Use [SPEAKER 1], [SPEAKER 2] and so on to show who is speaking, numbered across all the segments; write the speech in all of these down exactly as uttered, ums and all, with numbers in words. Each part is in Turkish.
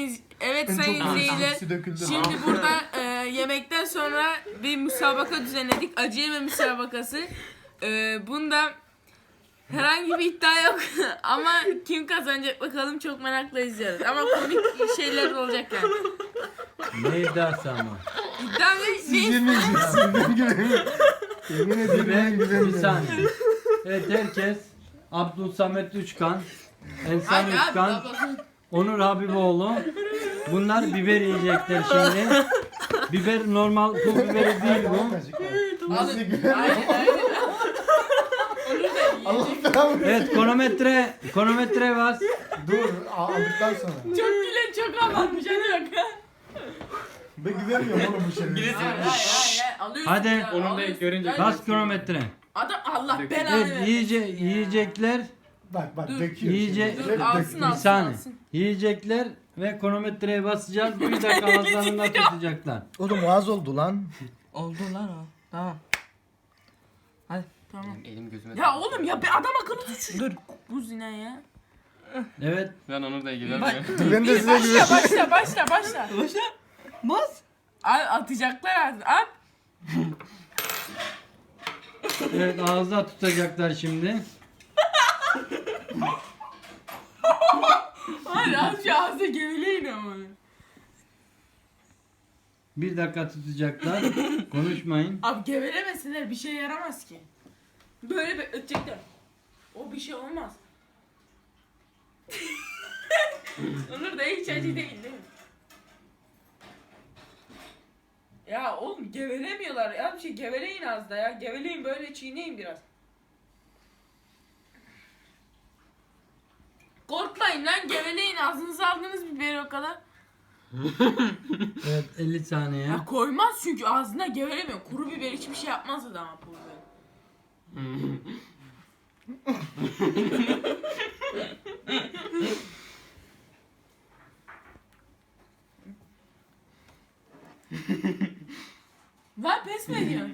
[SPEAKER 1] iz- evet
[SPEAKER 2] En
[SPEAKER 1] sayın
[SPEAKER 2] çok
[SPEAKER 1] izleyiciler.
[SPEAKER 2] hepsi döküldü.
[SPEAKER 1] Şimdi burada e, yemekten sonra bir müsabaka düzenledik. Acı yeme müsabakası. E, bunda herhangi bir iddia yok ama kim kazanacak bakalım, çok merakla izliyoruz. Ama komik şeyler olacak yani.
[SPEAKER 3] Ne iddiası ama?
[SPEAKER 1] İddia ne?
[SPEAKER 2] Siz
[SPEAKER 1] ne?
[SPEAKER 2] yemeyeceksiniz. Ben güveniyorum. Yemin ederim ben
[SPEAKER 3] Bir
[SPEAKER 2] güveniyorum.
[SPEAKER 3] saniye. Evet, herkes Abdülsamet Üçkan, Ensar
[SPEAKER 1] Hadi abi,
[SPEAKER 3] Üçkan,
[SPEAKER 1] babasın.
[SPEAKER 3] Onur Habiboğlu. Bunlar biber yiyecekler şimdi. Biber normal pul biberi değil bu.
[SPEAKER 2] Nasıl
[SPEAKER 1] Alın.
[SPEAKER 2] güveniyorum?
[SPEAKER 1] Aynen aynen. Onur da
[SPEAKER 2] Allah
[SPEAKER 1] yiyecek.
[SPEAKER 2] belamı.
[SPEAKER 3] Evet, kronometre, kronometre var.
[SPEAKER 2] Dur aldıktan sonra.
[SPEAKER 1] Çok gülen çok havalanmış, hadi bak.
[SPEAKER 2] Ben güvenmiyorum oğlum bu şeylere.
[SPEAKER 1] Hayır hayır hayır. Alıyorsun
[SPEAKER 3] Hadi.
[SPEAKER 1] ya,
[SPEAKER 4] Onun da
[SPEAKER 1] alıyorsun.
[SPEAKER 4] görünce-
[SPEAKER 1] Hadi.
[SPEAKER 3] Bas kronometre.
[SPEAKER 1] Adam Allah
[SPEAKER 4] Dökün.
[SPEAKER 1] belanı
[SPEAKER 3] Evet,
[SPEAKER 1] versin
[SPEAKER 3] yiyice,
[SPEAKER 1] ya.
[SPEAKER 3] yiyecekler,
[SPEAKER 2] Bak bak
[SPEAKER 1] Dur.
[SPEAKER 2] döküyor.
[SPEAKER 3] Yiyecek-
[SPEAKER 2] şimdi.
[SPEAKER 1] Dur,
[SPEAKER 2] Şöyle
[SPEAKER 1] alsın,
[SPEAKER 2] döküyor.
[SPEAKER 3] bir
[SPEAKER 1] alsın.
[SPEAKER 3] saniye.
[SPEAKER 1] alsın.
[SPEAKER 3] Yiyecekler ve kronometreye basacağız. Bir dakika ağızlarında tutacaklar.
[SPEAKER 2] Oğlum az oldu lan.
[SPEAKER 1] Oldu lan o. Tamam. Hadi tamam.
[SPEAKER 4] Elim gözüme.
[SPEAKER 1] Ya oğlum ya, bir adam akıllı tut. Dur. Bu zina ya.
[SPEAKER 3] Evet,
[SPEAKER 4] Ben onu da ilgilenmiyorum.
[SPEAKER 1] Bak.
[SPEAKER 2] Ben de
[SPEAKER 1] Bir,
[SPEAKER 2] size
[SPEAKER 1] başla
[SPEAKER 2] güveniyorum.
[SPEAKER 1] başla başla başla. Başla. Bas. Ay, atacaklar artık. At.
[SPEAKER 3] evet ağızda tutacaklar şimdi.
[SPEAKER 1] Hadi az şu ağzı geveleyin ama.
[SPEAKER 3] Bir dakika tutacaklar. Konuşmayın.
[SPEAKER 1] Abi gevelemesinler, bir şey yaramaz ki. Böyle bekletecekler. O bir şey olmaz. Onur da hiç acı değil değil mi? Ya oğlum gevelemiyorlar ya, bir şey geveleyin az da ya. Geveleyin, böyle çiğneyin biraz. Korkmayın lan, geveleyin, ağzınıza aldınız biberi o kadar.
[SPEAKER 3] Evet, elli saniye.
[SPEAKER 1] Ya koymaz çünkü ağzına gevelemiyor. Kuru biber hiçbir şey yapmaz adama, pul biber. Lan pes mi ediyorsun?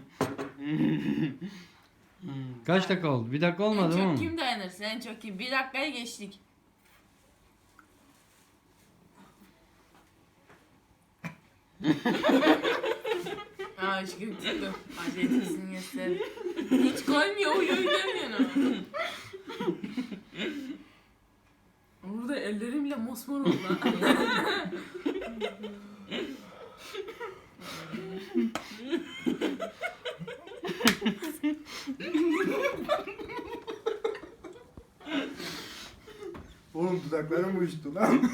[SPEAKER 3] Kaç dakika oldu? Bir dakika
[SPEAKER 1] En
[SPEAKER 3] olmadı
[SPEAKER 1] çok
[SPEAKER 3] mı?
[SPEAKER 1] kim dayanırsa, en çok kim? Bir dakikayı geçtik. Aa aşkım tuttum. Acetesini göster. Hiç koymuyor, uyu uyu demiyor ama. Burada ellerimle mosmor oldu lan.
[SPEAKER 2] Oğlum dudaklarım uyuştu lan.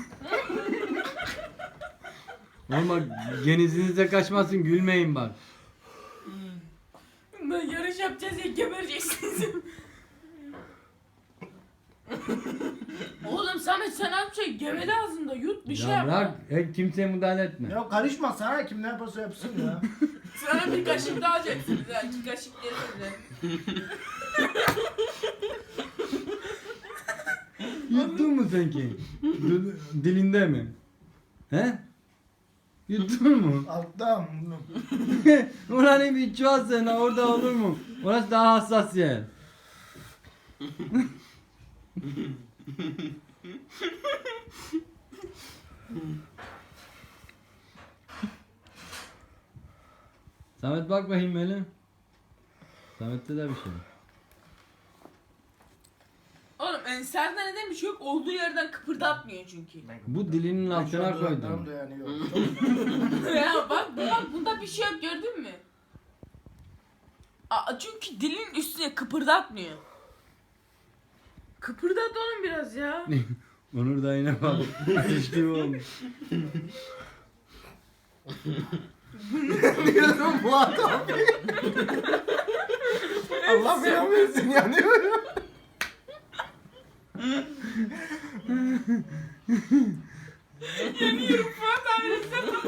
[SPEAKER 3] Ama genizinize kaçmasın, gülmeyin bak.
[SPEAKER 1] Ben yarış yapacağız ya, gebereceksiniz. Oğlum Samet, sen az bir şey gevele ağzında, yut bir şey
[SPEAKER 3] Ya
[SPEAKER 1] yap.
[SPEAKER 3] bırak, e, kimseye müdahale etme.
[SPEAKER 2] Ya karışma sana, kim ne yaparsa yapsın ya.
[SPEAKER 1] Sana bir kaşık daha alacaksınız ha, iki kaşık yerine.
[SPEAKER 3] Yuttun mu sen ki? D- Dilinde mi? He? Yuttun mu?
[SPEAKER 2] Alttan.
[SPEAKER 3] Ulan bir çuvalsana, orada olur mu? Orası daha hassas yer. Samet bak bakayım böyle. Samet'te de bir şey.
[SPEAKER 1] Oğlum Ensar'da neden bir şey yok? Olduğu yerden kıpırdatmıyor çünkü.
[SPEAKER 3] Bu dilinin altına koydum.
[SPEAKER 1] Ya bak bak, bunda bir şey yok, gördün mü? Aa, çünkü dilin üstüne kıpırdatmıyor. Kıpırdat oğlum biraz ya.
[SPEAKER 3] Onur da yine bak. Geçti olmuş.
[SPEAKER 2] Diyorum bu adam. Allah belamı versin yanıyorum.
[SPEAKER 1] Yanıyorum Fuat abi.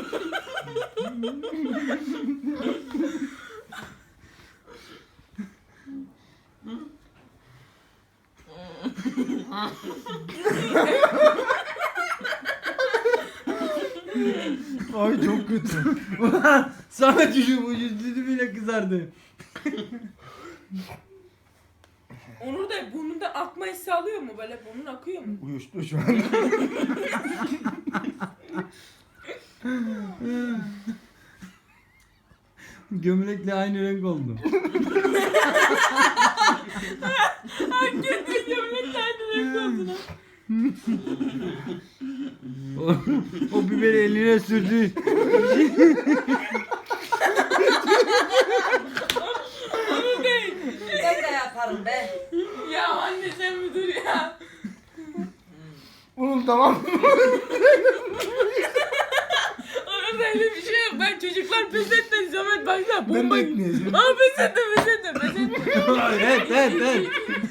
[SPEAKER 2] Ay çok kötü.
[SPEAKER 3] Ulan Samet yüzü bu yüzü bile kızardı.
[SPEAKER 1] Onur da burnunda akma hissi alıyor mu? Böyle burnun akıyor mu?
[SPEAKER 2] Uyuştu şu an.
[SPEAKER 3] Gömlekle aynı renk oldu.
[SPEAKER 1] Hakikaten gömlekle aynı renk oldu lan.
[SPEAKER 3] O, o biberi eline sürdü.
[SPEAKER 1] Onu değil.
[SPEAKER 4] Ben de yaparım be.
[SPEAKER 1] Ya anne sen mi dur ya?
[SPEAKER 2] Oğlum tamam.
[SPEAKER 1] Orada öyle bir şey yok. Ben çocuklar pes etmedi. Samet baksana
[SPEAKER 2] Ben de
[SPEAKER 1] bomba.
[SPEAKER 2] etmeyeceğim.
[SPEAKER 1] Aa pes ettim pes ettim pes ettim.
[SPEAKER 3] Evet evet evet.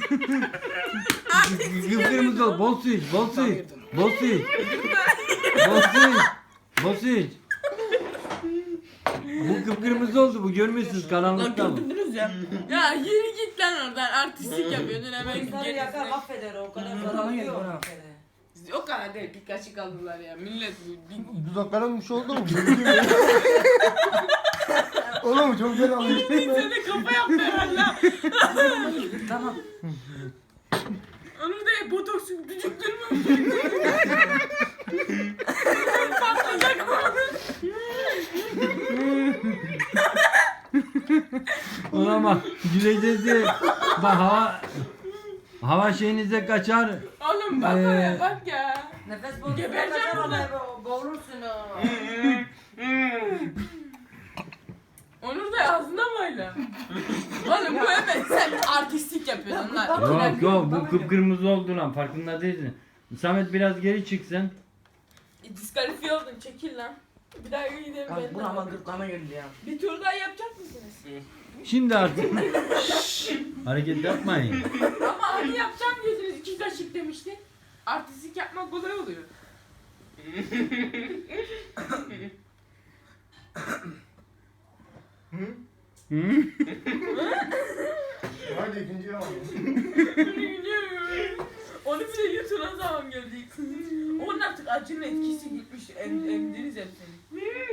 [SPEAKER 3] Kıpkırmızı ol. Bol su iç. Bol su iç. Bol su iç. Bol su iç. Bol su iç. Bu kıpkırmızı oldu. Bu görmüyorsunuz karanlıkta bu.
[SPEAKER 1] Gördünüz ya. Ya yürü git lan oradan. Artistlik yapıyordun hemen
[SPEAKER 4] İnsanı yakar
[SPEAKER 1] gerisine.
[SPEAKER 4] affeder o kadar zararı yok.
[SPEAKER 1] O kadar değil. Bir kaşık aldılar ya. Millet bu. bir-
[SPEAKER 2] Dudaklarım bir şey oldu mu? Oğlum çok fena alıştım ben.
[SPEAKER 1] Sen de kafa yaptı herhalde.
[SPEAKER 4] Tamam.
[SPEAKER 1] Onu da botoks düdüktürmüş. Patlayacak mı?
[SPEAKER 3] Ona bak. Güleceğiz diye. Bak hava hava şeyinize kaçar.
[SPEAKER 1] Oğlum bak
[SPEAKER 3] Ee,
[SPEAKER 1] oraya bak ya.
[SPEAKER 4] Nefes borusuna
[SPEAKER 1] Gebereceğim
[SPEAKER 4] kaçar
[SPEAKER 1] burada.
[SPEAKER 4] ona boğulursun o.
[SPEAKER 1] Onur da ağzına mı öyle? Oğlum bu hemen sen artistlik yapıyorsun lan.
[SPEAKER 3] Yok yok bu kıpkırmızı oldu lan farkında değilsin. Samet biraz geri çıksın.
[SPEAKER 1] E, diskalifiye oldun çekil lan. Bir daha gidelim
[SPEAKER 4] Abi
[SPEAKER 1] ben.
[SPEAKER 4] bu ama gırtlağıma geldi ya.
[SPEAKER 1] Bir tur daha yapacak mısınız?
[SPEAKER 3] Şimdi artık. Şşş, hareket yapmayın.
[SPEAKER 1] Ama hani yapacağım diyordunuz iki kaşık demiştin. Artistlik yapmak kolay oluyor.
[SPEAKER 2] Hı?
[SPEAKER 3] Hı?
[SPEAKER 2] Hadi ikinci alalım.
[SPEAKER 1] Onu bile yutulan zaman gördük. Onun artık acının etkisi gitmiş. Em, emdiniz hepsini.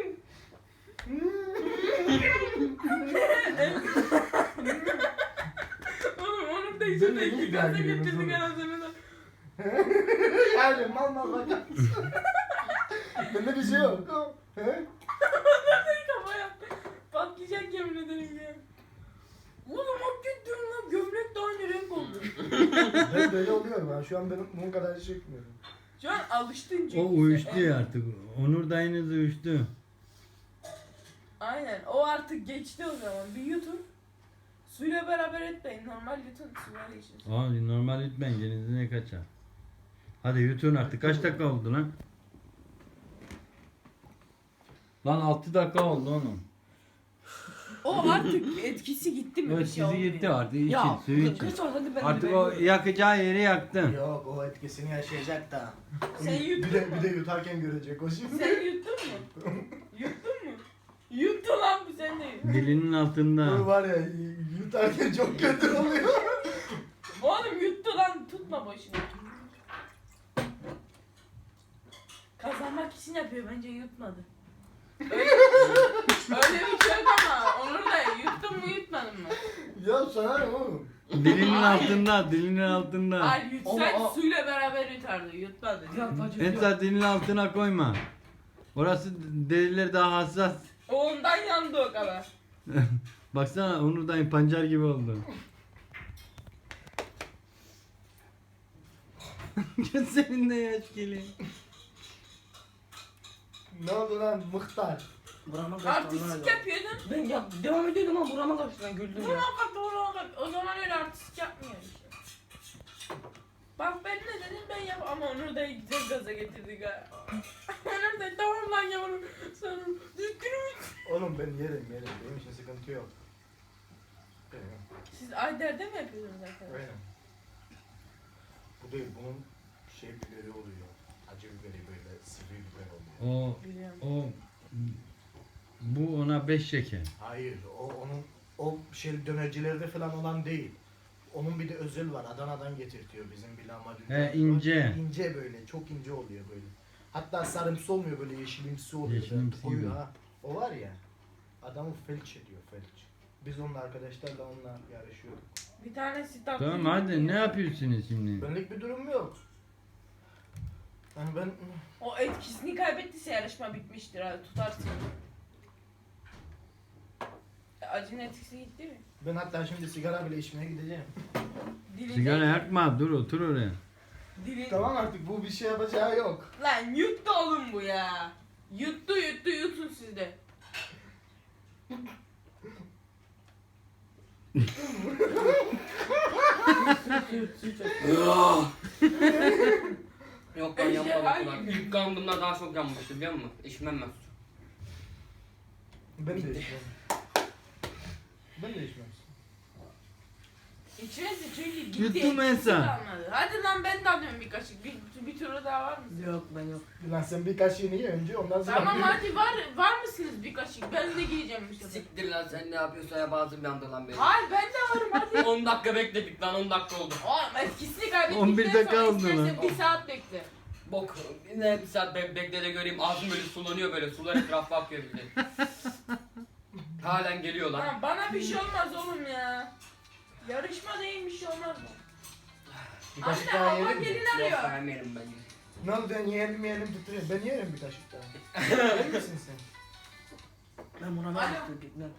[SPEAKER 1] Oğlum onun da yüzünde
[SPEAKER 2] Ben de
[SPEAKER 1] iki
[SPEAKER 2] iyi
[SPEAKER 1] gaza
[SPEAKER 2] dergiliyorum
[SPEAKER 1] getirdik
[SPEAKER 2] sonra.
[SPEAKER 1] anasını da.
[SPEAKER 2] Yani mal mal bakar mısın? Bende bir şey yok. He?
[SPEAKER 1] Kafa yaptı. Patlayacak yemin ederim ya. Oğlum hakikaten lan gömlek de aynı renk oldu.
[SPEAKER 2] Ben böyle oluyorum ben. Şu an ben bunun kadar çekmiyorum.
[SPEAKER 1] Şu an alıştın çünkü.
[SPEAKER 3] O
[SPEAKER 1] sen.
[SPEAKER 3] uyuştu ya artık. Onur dayınız uyuştu.
[SPEAKER 1] Aynen o artık geçti o zaman. Bir yutun. Suyla beraber etmeyin. Normal yutun. Suyla için.
[SPEAKER 3] Aa, normal lütfen genizine kaçar. Hadi yutun artık. Kaç dakika oldu lan? Lan altı dakika oldu onun.
[SPEAKER 1] O artık etkisi gitti mi?
[SPEAKER 3] Evet
[SPEAKER 1] Bir şey
[SPEAKER 3] sizi
[SPEAKER 1] olmuyor.
[SPEAKER 3] gitti artık. İçin
[SPEAKER 4] Ya
[SPEAKER 3] suyu için.
[SPEAKER 4] kız hadi ben
[SPEAKER 3] Artık
[SPEAKER 4] de
[SPEAKER 3] o yakacağı yeri yaktın.
[SPEAKER 2] Yok o etkisini yaşayacak da.
[SPEAKER 1] Sen yuttun
[SPEAKER 2] Bir de,
[SPEAKER 1] mu?
[SPEAKER 2] bir de yutarken görecek o şimdi.
[SPEAKER 1] Sen yuttun mu? Yuttun mu? Yuttu lan bu sen de.
[SPEAKER 3] Dilinin
[SPEAKER 2] Bu
[SPEAKER 3] altında.
[SPEAKER 2] var ya yutarken çok kötü oluyor.
[SPEAKER 1] Oğlum yuttu lan. Tutma boşuna. Kazanmak için yapıyor. Bence yutmadı. Öyle, öyle bir şey yok ama. Onur da yuttun mu yutmadın mı?
[SPEAKER 2] Ya sana ne oğlum?
[SPEAKER 3] Dilinin
[SPEAKER 1] Hayır.
[SPEAKER 3] altında. Dilinin altında.
[SPEAKER 1] Hayır yutsaydı
[SPEAKER 2] Ama o-
[SPEAKER 1] suyla beraber yutardı. Yutmadı.
[SPEAKER 3] Etsa dilinin altına koyma. Orası deriler daha hassas.
[SPEAKER 1] O ondan yandı o kadar.
[SPEAKER 3] Baksana Onur dayın pancar gibi oldu. Gözlerinde yaş geliyor.
[SPEAKER 2] Ne oldu lan muhtar?
[SPEAKER 4] Burama kaçtı.
[SPEAKER 1] Artistlik yapıyordun.
[SPEAKER 4] Ben ya devam ediyordum ama burama kaçtı ben güldüm ya.
[SPEAKER 1] Buna bak buna bak. O zaman öyle artistlik yapmıyor işte. Bak ben ne dedim ben yap ama Onur da güzel gaza getirdik ha. Onur da tamam lan yavrum. Sonra düzgünüm.
[SPEAKER 2] Oğlum ben yerim yerim. Benim için sıkıntı yok. Benim.
[SPEAKER 1] Siz Ayder'de mi yapıyorsunuz zaten?
[SPEAKER 2] Aynen. Bu değil bunun şey biberi oluyor. Acı biberi böyle sivri biber oluyor.
[SPEAKER 3] O
[SPEAKER 1] Biliyorum.
[SPEAKER 3] o bu ona beş şeker.
[SPEAKER 2] Hayır o onun o şey dönercilerde falan olan değil. Onun bir de özel var. Adana'dan getirtiyor bizim bir lahmacun.
[SPEAKER 3] He, ince.
[SPEAKER 2] İnce böyle. Çok ince oluyor böyle. Hatta sarımsı olmuyor böyle yeşilimsi oluyor.
[SPEAKER 3] Yeşilimsi
[SPEAKER 2] Koyu
[SPEAKER 3] gibi.
[SPEAKER 2] ha. O var ya. Adamı felç ediyor felç. Biz onunla arkadaşlarla onunla yarışıyorduk.
[SPEAKER 1] Bir tane sitap.
[SPEAKER 3] Tamam hadi ne yapıyorsunuz şimdi?
[SPEAKER 2] Benlik bir durum yok. Yani ben
[SPEAKER 1] O etkisini kaybettiyse yarışma bitmiştir. Hadi tutarsın. Acının etkisi gitti mi?
[SPEAKER 2] Ben hatta şimdi sigara bile içmeye gideceğim.
[SPEAKER 1] Dilinde-
[SPEAKER 3] Sigara yakma, dur otur oraya.
[SPEAKER 1] Dili...
[SPEAKER 2] Tamam artık bu bir şey yapacağı yok.
[SPEAKER 1] Lan yuttu oğlum bu ya. Yuttu yuttu yutun siz de.
[SPEAKER 5] Yok ben
[SPEAKER 1] Ejderha
[SPEAKER 5] yapmadım ulan.
[SPEAKER 1] gibi.
[SPEAKER 5] İlk kan bunlar daha çok yanmıştı biliyor musun? İçmem ben.
[SPEAKER 2] Ben de içmem. Ben de içmem.
[SPEAKER 1] İçmezsin çünkü gitti.
[SPEAKER 3] Yuttum
[SPEAKER 1] etkisi
[SPEAKER 3] ben sen.
[SPEAKER 1] kalmadı. Hadi lan ben de alıyorum bir kaşık. Bir, bir turu daha var mı?
[SPEAKER 4] Yok ben yok.
[SPEAKER 2] Lan sen bir kaşığını ye önce ondan sonra...
[SPEAKER 1] Tamam hadi var var mısınız bir kaşık? Ben de giyeceğim bu sefer.
[SPEAKER 5] Siktir lan sen ne yapıyorsan ya bazım yandı lan benim.
[SPEAKER 1] Hayır ben de varım hadi.
[SPEAKER 5] on dakika bekledik lan on dakika oldu.
[SPEAKER 1] Oğlum etkisini kaybettikten
[SPEAKER 3] on bir dakika
[SPEAKER 1] sonra
[SPEAKER 3] oldu
[SPEAKER 1] istersen
[SPEAKER 3] lan.
[SPEAKER 1] bir saat bekle.
[SPEAKER 5] Bok ne bir saat be bekle de göreyim ağzım böyle sulanıyor böyle sular etrafa akıyor bir de. Halen geliyor lan.
[SPEAKER 1] Lan bana bir şey olmaz oğlum ya. Yarışma değil bir şey olmaz mı?
[SPEAKER 2] Bir kaşık
[SPEAKER 1] Anne
[SPEAKER 2] daha
[SPEAKER 1] hava
[SPEAKER 2] yiyelim mi?
[SPEAKER 1] gelin
[SPEAKER 5] Yok
[SPEAKER 1] arıyor.
[SPEAKER 5] ben yerim ben yerim.
[SPEAKER 2] Ne oldu ben yiyelim yiyelim tutturuyor. Ben yerim bir kaşık daha. Yer misin sen?
[SPEAKER 4] Ben buna
[SPEAKER 1] Alo.
[SPEAKER 4] ne yaptım gitmem.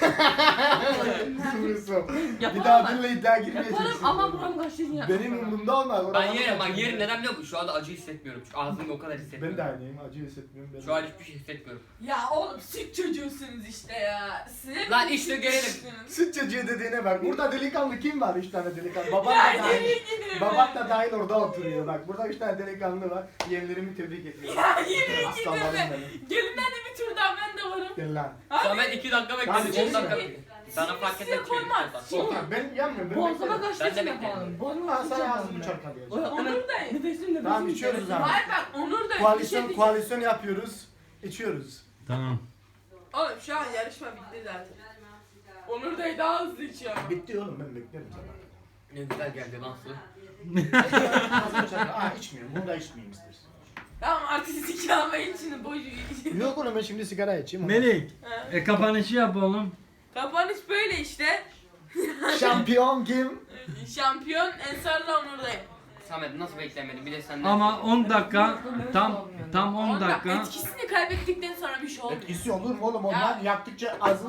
[SPEAKER 2] Doğrusu. Bir
[SPEAKER 4] Yaparım
[SPEAKER 2] daha
[SPEAKER 4] ben.
[SPEAKER 2] benimle iddia girmeyeceksin.
[SPEAKER 4] Yaparım ama buram kaçtı ya.
[SPEAKER 2] Benim umurumda olmaz.
[SPEAKER 5] Ben
[SPEAKER 2] Oradan
[SPEAKER 5] yerim bak
[SPEAKER 2] kaçırdım.
[SPEAKER 5] yerim neden biliyor musun? Şu anda acı hissetmiyorum çünkü ağzımda o kadar
[SPEAKER 2] Ben
[SPEAKER 5] hissetmiyorum.
[SPEAKER 2] de aynıyım. Acı hissetmiyorum. Ben
[SPEAKER 5] Şu
[SPEAKER 2] de.
[SPEAKER 5] an hiçbir şey hissetmiyorum.
[SPEAKER 1] Ya oğlum süt çocuğusunuz işte ya. Size
[SPEAKER 5] Lan
[SPEAKER 1] mi
[SPEAKER 5] işte
[SPEAKER 1] süt
[SPEAKER 5] gelelim.
[SPEAKER 1] çocuğusunuz?
[SPEAKER 2] Süt çocuğu dediğine bak. Burada delikanlı kim var? Üç tane delikanlı. Baban
[SPEAKER 1] Ya
[SPEAKER 2] da
[SPEAKER 1] nereye
[SPEAKER 2] dahil.
[SPEAKER 1] gidiyorum
[SPEAKER 2] Baban
[SPEAKER 1] ben?
[SPEAKER 2] da dahil orada oturuyor. Bak burada üç tane delikanlı var. Yeğenlerimi tebrik ediyorum.
[SPEAKER 1] Ya nereye
[SPEAKER 2] Aslanlarım
[SPEAKER 1] gidiyorum ben?
[SPEAKER 2] benim.
[SPEAKER 1] Gelin hadi bir tur daha ben de varım.
[SPEAKER 2] Gel lan.
[SPEAKER 5] Samet iki dakika
[SPEAKER 2] Tamam,
[SPEAKER 5] bekledik on dakika
[SPEAKER 2] geçme.
[SPEAKER 5] bekledik. Sana fark
[SPEAKER 1] Size
[SPEAKER 5] etmez.
[SPEAKER 1] koymaz.
[SPEAKER 2] Otur. Ben yanmıyorum. Ben
[SPEAKER 4] Boğazıma
[SPEAKER 2] beklerim.
[SPEAKER 4] kaçtı
[SPEAKER 5] Ben de
[SPEAKER 4] için
[SPEAKER 5] beklerim.
[SPEAKER 4] yapalım. Boğazıma
[SPEAKER 2] Ha,
[SPEAKER 4] kaçtı
[SPEAKER 2] sana
[SPEAKER 4] için
[SPEAKER 2] ağzımı
[SPEAKER 4] yapalım.
[SPEAKER 2] çarpalıyor.
[SPEAKER 1] Onur da
[SPEAKER 4] Nefesim nefesim.
[SPEAKER 2] Tamam, içiyoruz
[SPEAKER 4] nefesim.
[SPEAKER 2] abi.
[SPEAKER 1] Hayır bak Onur da bir şey
[SPEAKER 2] Koalisyon,
[SPEAKER 1] diyecek.
[SPEAKER 2] koalisyon yapıyoruz. İçiyoruz.
[SPEAKER 3] Tamam.
[SPEAKER 1] Oğlum şu an yarışma bitti zaten. Onur da daha hızlı içiyor ama.
[SPEAKER 2] Bitti oğlum ben beklerim sana.
[SPEAKER 5] Ne güzel geldi lan su.
[SPEAKER 2] Ağzımı çarpalıyor. Aa içmiyorum. Bunu da içmeyeyim istersen.
[SPEAKER 1] Tamam artık sizi almayın şimdi boş geçin.
[SPEAKER 2] Yok oğlum ben şimdi sigara içeyim.
[SPEAKER 3] Melik,
[SPEAKER 1] Ha.
[SPEAKER 3] e, kapanışı yap oğlum.
[SPEAKER 1] Kapanış böyle işte.
[SPEAKER 2] Şampiyon kim?
[SPEAKER 1] Şampiyon Ensar'la Onur'dayım.
[SPEAKER 5] Samet nasıl beklemedin bir de senden.
[SPEAKER 3] Ama on dakika, tam tam on
[SPEAKER 1] Onda
[SPEAKER 3] dakika.
[SPEAKER 1] etkisini kaybettikten sonra bir şey olmuyor.
[SPEAKER 2] Etkisi olur mu oğlum? Onlar
[SPEAKER 1] Ya.
[SPEAKER 2] yaktıkça az